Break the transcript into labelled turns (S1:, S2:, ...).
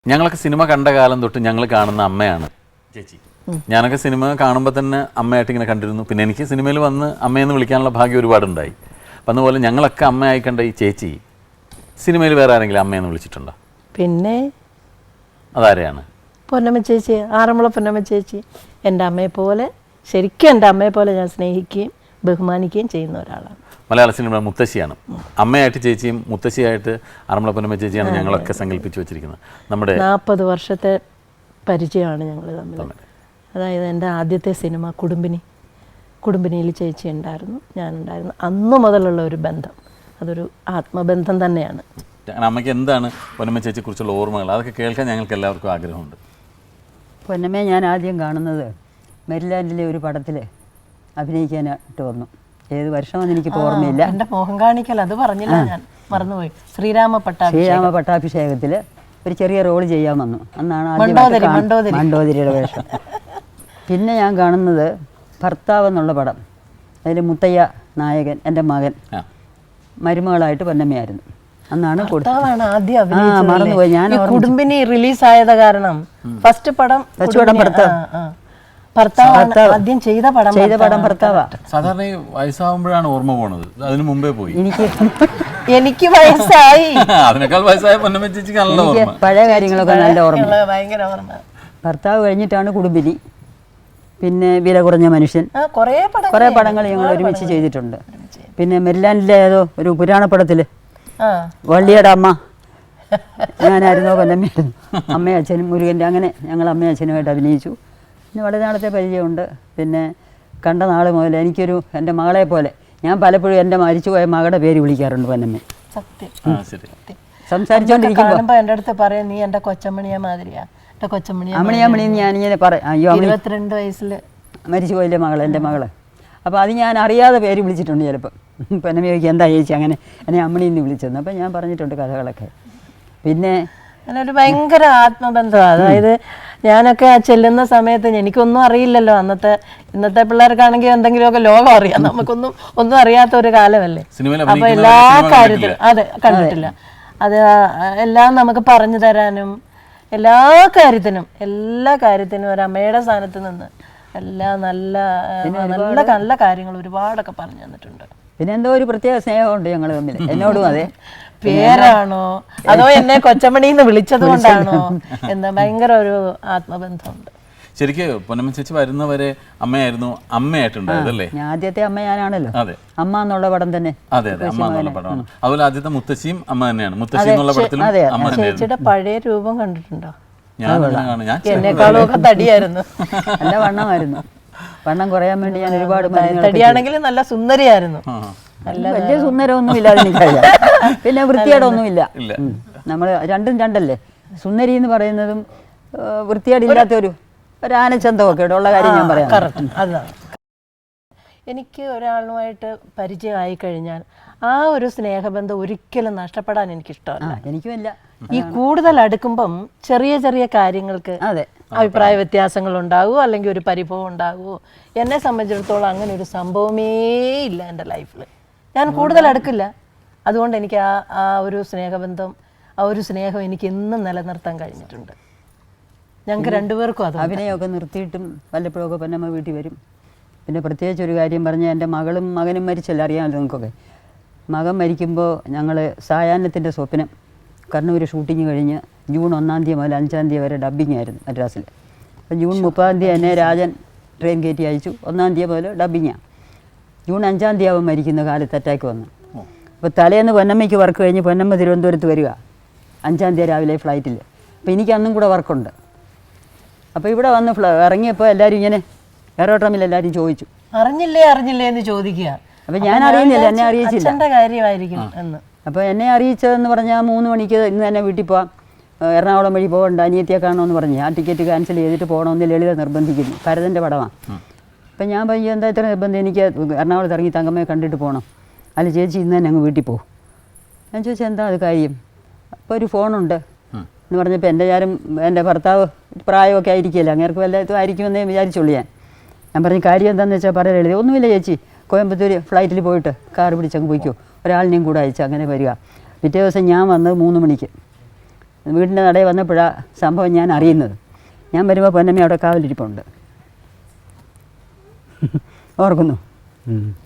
S1: ഞങ്ങളൊക്കെ സിനിമ കണ്ട കാലം തൊട്ട് ഞങ്ങൾ കാണുന്ന അമ്മയാണ് ചേച്ചി. ഞാനൊക്കെ സിനിമ കാണുമ്പോൾ തന്നെ അമ്മയായിട്ട് ഇങ്ങനെ കണ്ടിരുന്നു. പിന്നെ എനിക്ക് സിനിമയിൽ വന്ന് അമ്മയെന്ന് വിളിക്കാനുള്ള ഭാഗ്യം ഒരുപാടുണ്ടായി. അപ്പം അതുപോലെ ഞങ്ങളൊക്കെ അമ്മയായി കണ്ട ഈ ചേച്ചി സിനിമയിൽ വേറെ ആരെങ്കിലും അമ്മയെന്ന് വിളിച്ചിട്ടുണ്ടോ?
S2: പിന്നെ
S1: അതാരെയാണ്?
S2: പൊന്നമ്മ ചേച്ചി, ആറന്മുള പൊന്നമ്മ ചേച്ചി. എൻ്റെ അമ്മയെ പോലെ, ശരിക്കും എൻ്റെ അമ്മയെ പോലെ ഞാൻ സ്നേഹിക്കുകയും ബഹുമാനിക്കുകയും ചെയ്യുന്ന ഒരാളാണ്.
S1: മലയാള സിനിമ മുത്തശ്ശിയാണ്. അമ്മയായിട്ട് ചേച്ചിയും മുത്തശ്ശിയായിട്ട് ആറന്മുള പൊന്നമ്മ ചേച്ചിയാണ് ഞങ്ങളൊക്കെ സങ്കല്പിച്ച് വെച്ചിരിക്കുന്നത്. നമ്മുടെ
S2: 40 വർഷത്തെ പരിചയമാണ് ഞങ്ങൾ തമ്മിൽ. അതായത് എൻ്റെ ആദ്യത്തെ സിനിമ കുടുംബിനിയിൽ ചേച്ചി ഉണ്ടായിരുന്നു, ഞാനുണ്ടായിരുന്നു. അന്നു മുതലുള്ള ഒരു ബന്ധം, അതൊരു ആത്മബന്ധം തന്നെയാണ്.
S1: അമ്മയ്ക്ക് എന്താണ് പൊന്നമ്മ ചേച്ചിയെ കുറിച്ചുള്ള ഓർമ്മകൾ? അതൊക്കെ കേൾക്കാൻ ഞങ്ങൾക്ക് എല്ലാവർക്കും ആഗ്രഹമുണ്ട്.
S3: പൊന്നമ്മയെ ഞാൻ ആദ്യം കാണുന്നത് മെരിലാൻഡിലെ ഒരു പടത്തിൽ അഭിനയിക്കാനായിട്ട് വന്നു. ഏത് വർഷമെന്ന് എനിക്കിപ്പോൾ ഓർമ്മയില്ല.
S2: എൻ്റെ മോഹം കാണിക്കൽ അത് പറഞ്ഞില്ല, ഞാൻ മറന്നുപോയി. ശ്രീരാമ
S3: പട്ടാഭിഷേകത്തിൽ ഒരു ചെറിയ റോൾ ചെയ്യാൻ വന്നു. അന്നാണ് മണ്ടോദരിയുടെ വേഷം. പിന്നെ ഞാൻ കാണുന്നത് ഭർത്താവ് എന്നുള്ള പടം. അതിൽ മുത്തയ്യ നായകൻ, എൻ്റെ മകൻ മരുമകളായിട്ട് പൊന്നമ്മയായിരുന്നു. അന്നാണ് മറന്നുപോയി ഞാൻ.
S2: കുടുംബിനി റിലീസായത് കാരണം ഫസ്റ്റ് പടം ഭർത്താവ് ആദ്യം ചെയ്ത പടം ഭർത്താവാ.
S1: സാധാരണ വയസ്സാവുമ്പോഴാണ് ഓർമ്മ പോണത്, അതിന് മുമ്പേ പോയി.
S2: എനിക്ക് വയസ്സായി,
S1: അതിനേക്കാൾ വയസ്സായ പൊന്നമ്മ ചേച്ചിക്ക് നല്ല ഓർമ്മ.
S3: പഴയ കാര്യങ്ങളൊക്കെ നല്ല ഓർമ്മ,
S2: ഭയങ്കര ഓർമ്മ.
S3: ഭർത്താവ് കഴിഞ്ഞിട്ടാണ് കുടുംബിനി, പിന്നെ വില കുറഞ്ഞ മനുഷ്യൻ, കുറേ പടങ്ങൾ ഞങ്ങൾ ഒരുമിച്ച് ചെയ്തിട്ടുണ്ട്. പിന്നെ മെരിലാൻഡിലെ ഏതോ ഒരു പുരാണപ്പടത്തിൽ വള്ളിയുടെ അമ്മ ഞാനായിരുന്നോ പൊന്നമ്മയായിരുന്നു. അമ്മയും അച്ഛനും മുരുകൻ്റെ, അങ്ങനെ ഞങ്ങൾ അമ്മയും അച്ഛനുമായിട്ട് അഭിനയിച്ചു. പിന്നെ വളരെ നാളത്തെ പരിചയമുണ്ട്. പിന്നെ കണ്ട നാൾ മുതൽ എനിക്കൊരു എൻ്റെ മകളെ പോലെ, ഞാൻ പലപ്പോഴും എൻ്റെ മരിച്ചുപോയ മകളുടെ പേര് വിളിക്കാറുണ്ട് പൊന്നമ്മ. സംസാരിച്ചോണ്ടിരിക്കുമ്പോൾ
S2: എൻ്റെ അടുത്ത് പറയും, നീ എൻ്റെ കൊച്ചമ്മണിയെ മാതിരിയാ, എൻ്റെ
S3: അമ്മണിയമ്മണിന്ന് ഞാനിങ്ങനെ പറയും. അയ്യോ,
S2: 22 വയസ്സിൽ
S3: മരിച്ചുപോയില്ലേ മകൾ, എൻ്റെ മകള്. അപ്പോൾ അത് ഞാൻ അറിയാതെ പേര് വിളിച്ചിട്ടുണ്ട് ചിലപ്പോൾ. പൊന്നമ്മ ചോദിക്കും എന്താ ചേച്ചി അങ്ങനെ എന്നെ അമ്മണിന്ന് വിളിച്ചെന്ന്. അപ്പം ഞാൻ പറഞ്ഞിട്ടുണ്ട് കഥകളൊക്കെ. പിന്നെ
S2: അങ്ങനൊരു ഭയങ്കര ആത്മബന്ധമാണ്. അതായത് ഞാനൊക്കെ ചെല്ലുന്ന സമയത്ത് എനിക്കൊന്നും അറിയില്ലല്ലോ. ഇന്നത്തെ പിള്ളേർക്കാണെങ്കിൽ എന്തെങ്കിലുമൊക്കെ ലോകം അറിയാം, ഒന്നും അറിയാത്ത ഒരു കാലമല്ലേ. അപ്പൊ എല്ലാ കാര്യത്തിലും കണ്ടിട്ടില്ല. അത് എല്ലാം നമുക്ക് പറഞ്ഞു തരാനും എല്ലാ കാര്യത്തിനും ഒരു അമ്മയുടെ സ്ഥാനത്ത് നിന്ന് നല്ല നല്ല കാര്യങ്ങൾ ഒരുപാടൊക്കെ പറഞ്ഞു തന്നിട്ടുണ്ട്.
S3: പിന്നെ എന്തോ ഒരു പ്രത്യേക സ്നേഹമുണ്ട് ഞങ്ങൾ തമ്മിൽ, എന്നോടും അതെ.
S2: പേരാണോ അതോ എന്നെ കൊച്ചമണിന്ന് വിളിച്ചത് കൊണ്ടാണോ എന്താ, ഭയങ്കര ഒരു ആത്മബന്ധമുണ്ട്.
S1: ശരിക്കും പൊന്നമ്മ ചേച്ചി വരുന്നവരെ അമ്മയായിട്ടുണ്ടായതല്ലേ?
S3: ആദ്യത്തെ അമ്മ ഞാനാണല്ലോ. അമ്മ എന്നുള്ള പടം തന്നെ.
S1: അതെ, അമ്മ എന്നുള്ള പടമാണ്. അതുപോലെ ആദ്യത്തെ മുത്തശ്ശിയും അമ്മ തന്നെയാണ്. മുത്തശ്ശി എന്നുള്ള പടത്തിലും അമ്മ തന്നെയായിരുന്നു.
S2: ചേച്ചിയുടെ പഴയ രൂപം കണ്ടിട്ടുണ്ടോ?
S1: എന്നെക്കാളും
S2: ഒക്കെ തടിയായിരുന്നു,
S3: നല്ല വണ്ണമായിരുന്നു. വണ്ണം കുറയാൻ വേണ്ടി ഞാൻ ഒരുപാട്
S2: തടിയാണെങ്കിലും നല്ല സുന്ദരിയായിരുന്നു.
S3: വലിയ സുന്ദരമൊന്നും ഇല്ലാതെ എനിക്കറിയാം. പിന്നെ വൃത്തികേടൊന്നുമില്ല. നമ്മൾ രണ്ടല്ലേ. സുന്ദരി എന്ന് പറയുന്നതും വൃത്തികേടില്ലാത്തൊരു ആനച്ചന്തമൊക്കെ ഉള്ള കാര്യം ഞാൻ പറയാം.
S2: അതാണ്. എനിക്ക് ഒരാളുമായിട്ട് പരിചയമായി കഴിഞ്ഞാൽ ആ ഒരു സ്നേഹബന്ധം ഒരിക്കലും നഷ്ടപ്പെടാൻ എനിക്കിഷ്ടമല്ല.
S3: എനിക്കുമില്ല.
S2: ഈ കൂടുതൽ അടുക്കുമ്പം ചെറിയ കാര്യങ്ങൾക്ക് അഭിപ്രായ വ്യത്യാസങ്ങൾ ഉണ്ടാകുമോ, അല്ലെങ്കിൽ ഒരു പരിഭവം ഉണ്ടാകുമോ. എന്നെ സംബന്ധിച്ചിടത്തോളം അങ്ങനെ ഒരു സംഭവമേ ഇല്ല എൻ്റെ ലൈഫിൽ. ഞാൻ കൂടുതൽ അടുക്കില്ല. അതുകൊണ്ട് എനിക്ക് ആ ഒരു സ്നേഹബന്ധം, ആ ഒരു സ്നേഹം എനിക്ക് എന്നും നിലനിർത്താൻ കഴിഞ്ഞിട്ടുണ്ട്. ഞങ്ങൾക്ക് രണ്ടുപേർക്കും അത്.
S3: അഭിനയമൊക്കെ നിർത്തിയിട്ടും വല്ലപ്പോഴൊക്കെ പൊന്നമ്മ വീട്ടിൽ വരും. പിന്നെ പ്രത്യേകിച്ച് ഒരു കാര്യം പറഞ്ഞാൽ, എൻ്റെ മകനും മരിച്ചല്ല, അറിയാമല്ലോ നിങ്ങൾക്കൊക്കെ. മകൻ മരിക്കുമ്പോൾ ഞങ്ങൾ സായാഹ്നത്തിൻ്റെ സ്വപ്നം കണ്ണൂർ ഷൂട്ടിങ് കഴിഞ്ഞ് ജൂൺ 1 മുതൽ 5 വരെ ഡബ്ബിങ് ആയിരുന്നു മദ്രാസിൽ. അപ്പം ജൂൺ 30 എന്നെ രാജൻ ട്രെയിൻ കയറ്റി അയച്ചു. 1 മുതൽ ഡബ്ബിങ്ങാണ്. ജൂൺ 5 ആവും മരിക്കുന്ന കാലത്ത് അറ്റാക്ക് വന്നു. അപ്പോൾ തലേന്ന് പൊന്നമ്മയ്ക്ക് വർക്ക് കഴിഞ്ഞ് പൊന്നമ്മ തിരുവനന്തപുരത്ത് വരിക 5 രാവിലെ ഫ്ലൈറ്റിൽ. അപ്പോൾ എനിക്ക് അന്നും കൂടെ വർക്കുണ്ട്. അപ്പോൾ ഇവിടെ വന്ന് ഇറങ്ങിയപ്പോൾ എല്ലാവരും ഇങ്ങനെ എയറോട്രമിൽ എല്ലാവരും ചോദിച്ചു,
S2: അറിഞ്ഞില്ലേ എന്ന് ചോദിക്കുക.
S3: അപ്പോൾ ഞാൻ അറിയുന്നില്ല, എന്നെ അറിയിച്ചില്ല.
S2: കാര്യമായിരിക്കും എന്ന്.
S3: അപ്പോൾ എന്നെ അറിയിച്ചതെന്ന് പറഞ്ഞാൽ 3 മണിക്ക് ഇന്ന് തന്നെ വീട്ടിൽ പോവാം, എറണാകുളം വഴി പോകണ്ട, അനിയത്തിയെ കാണണമെന്ന് പറഞ്ഞ് ആ ടിക്കറ്റ് ക്യാൻസൽ ചെയ്തിട്ട് പോകണമെന്ന് ലളിത നിർബന്ധിക്കുന്നു. ഭരതൻ്റെ പടമാണ്. അപ്പം ഞാൻ പറഞ്ഞു, എന്താ ഇത്ര നിർബന്ധം, എനിക്ക് എറണാകുളത്ത് ഇറങ്ങി തങ്കമ്മയെ കണ്ടിട്ട് പോകണം. അല്ല ചേച്ചി ഇന്ന് തന്നെ അങ്ങ് വീട്ടിൽ പോകും. ഞാൻ ചോദിച്ചാൽ എന്താ അത് കാര്യം? അപ്പോൾ ഒരു ഫോണുണ്ട് എന്ന് പറഞ്ഞപ്പോൾ എൻ്റെ ഭർത്താവ് പ്രായമൊക്കെ ആയിരിക്കില്ല, അങ്ങേർക്ക് വല്ലതും ആയിരിക്കുമെന്നേ വിചാരിച്ചുള്ളൂ. ഞാൻ പറഞ്ഞു കാര്യം എന്താണെന്ന് വെച്ചാൽ പറയാൻ എഴുതി. ഒന്നുമില്ല ചേച്ചി, കോയമ്പത്തൂർ ഫ്ലൈറ്റിൽ പോയിട്ട് കാർ പിടിച്ചങ്ങ് പോയിക്കോ, ഒരാളിനെയും കൂടെ അയച്ചു അങ്ങനെ വരിക. പിറ്റേ ദിവസം ഞാൻ വന്നത് 3 മണിക്ക്. വീടിൻ്റെ നടയിൽ വന്നപ്പോഴാണ് സംഭവം ഞാൻ അറിയുന്നത്. ഞാൻ വരുമ്പോൾ പൊന്നമ്മ അവിടെ കാവലിരിപ്പുണ്ട്. ഓർക്കുന്നു.